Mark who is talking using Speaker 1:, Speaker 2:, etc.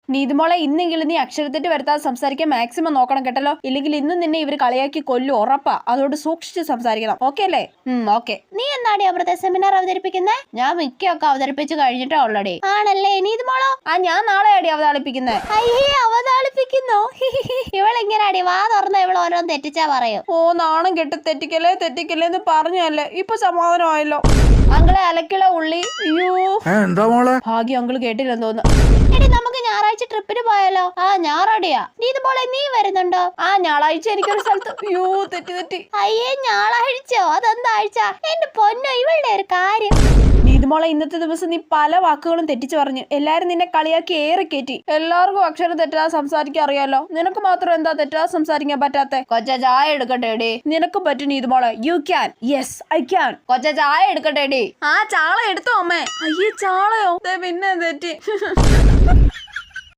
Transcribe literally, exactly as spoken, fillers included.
Speaker 1: നീതുമോളെ ഇന്നെങ്കിലും നീ അക്ഷരത്തെറ്റ് വരുത്താതെ സംസാരിക്കാൻ മാക്സിമം നോക്കണം കേട്ടല്ലോ. ഇല്ലെങ്കിൽ ഇന്ന് നിന്നെ ഇവർ കളിയാക്കി കൊല്ലും, ഉറപ്പാ. അതുകൊണ്ട് സൂക്ഷിച്ച് സംസാരിക്കണം. ഓക്കെ അല്ലേ? ഓക്കെ.
Speaker 2: നീ എന്നാടി അവിടുത്തെ സെമിനാർ അവതരിപ്പിക്കുന്നേ? ഞാൻ മിക്കൊക്കെ അവതരിപ്പിച്ചു കഴിഞ്ഞിട്ടാ ഓൾറെഡി. ആണല്ലേ നീതുമോളോ?
Speaker 1: ആ ഞാൻ നാളെയാടി അവതാളിപ്പിക്കുന്നേ.
Speaker 2: അയ്യേ അവതാളിപ്പിക്കുന്നോ? ഇവളിങ്ങനാടി വാ തുറന്ന ഇവൾ ഓരോന്ന് തെറ്റിച്ചാ പറയും.
Speaker 1: ഓ നാണം കെട്ട് തെറ്റിക്കലേ തെറ്റിക്കലേ എന്ന് പറഞ്ഞല്ലേ, ഇപ്പൊ സമാധാനമായല്ലോ. അങ്കിളെ അലക്കിള ഉള്ളി. അയ്യോ
Speaker 3: എന്താ മോളെ?
Speaker 1: ഭാഗ്യം അങ്കിള് കേട്ടില്ലെന്ന് തോന്നുന്നു.
Speaker 2: എടി നമുക്ക് ഞായറാഴ്ച ട്രിപ്പിന് പോയാലോ? ആ ഞാറടിയാ. നീതുമോളെ നീ വരുന്നുണ്ടോ?
Speaker 1: ആ ഞായറാഴ്ച എനിക്കൊരു സ്ഥലത്ത്. അയ്യോ തെറ്റി തെറ്റി.
Speaker 2: അയ്യേ ഞായറാഴ്ചയോ? അതെന്താ ആഴ്ച? എന്റെ പൊന്നോ ഇവളുടെ ഒരു കാര്യം.
Speaker 1: നീതുമോളെ ഇന്നത്തെ ദിവസം നീ പല വാക്കുകളും തെറ്റിച്ചു പറഞ്ഞു. എല്ലാരും നിന്നെ കളിയാക്കി ഏറെ കയറ്റി. എല്ലാവർക്കും അക്ഷരം തെറ്റാതെ സംസാരിക്കാൻ അറിയാലോ. നിനക്ക് മാത്രം എന്താ തെറ്റാതെ സംസാരിക്കാൻ പറ്റാത്തെ? കൊച്ച ചായ എടുക്കട്ടെ ഡി. നിനക്ക് പറ്റും നീതുമോളെ. You can. Yes I can. കൊച്ച ചായ എടുക്കട്ടെ ഡി. ആ ചാള എടുത്തോ അമ്മേ. അയ്യേ ചാളയോ? പിന്നെ തെറ്റി.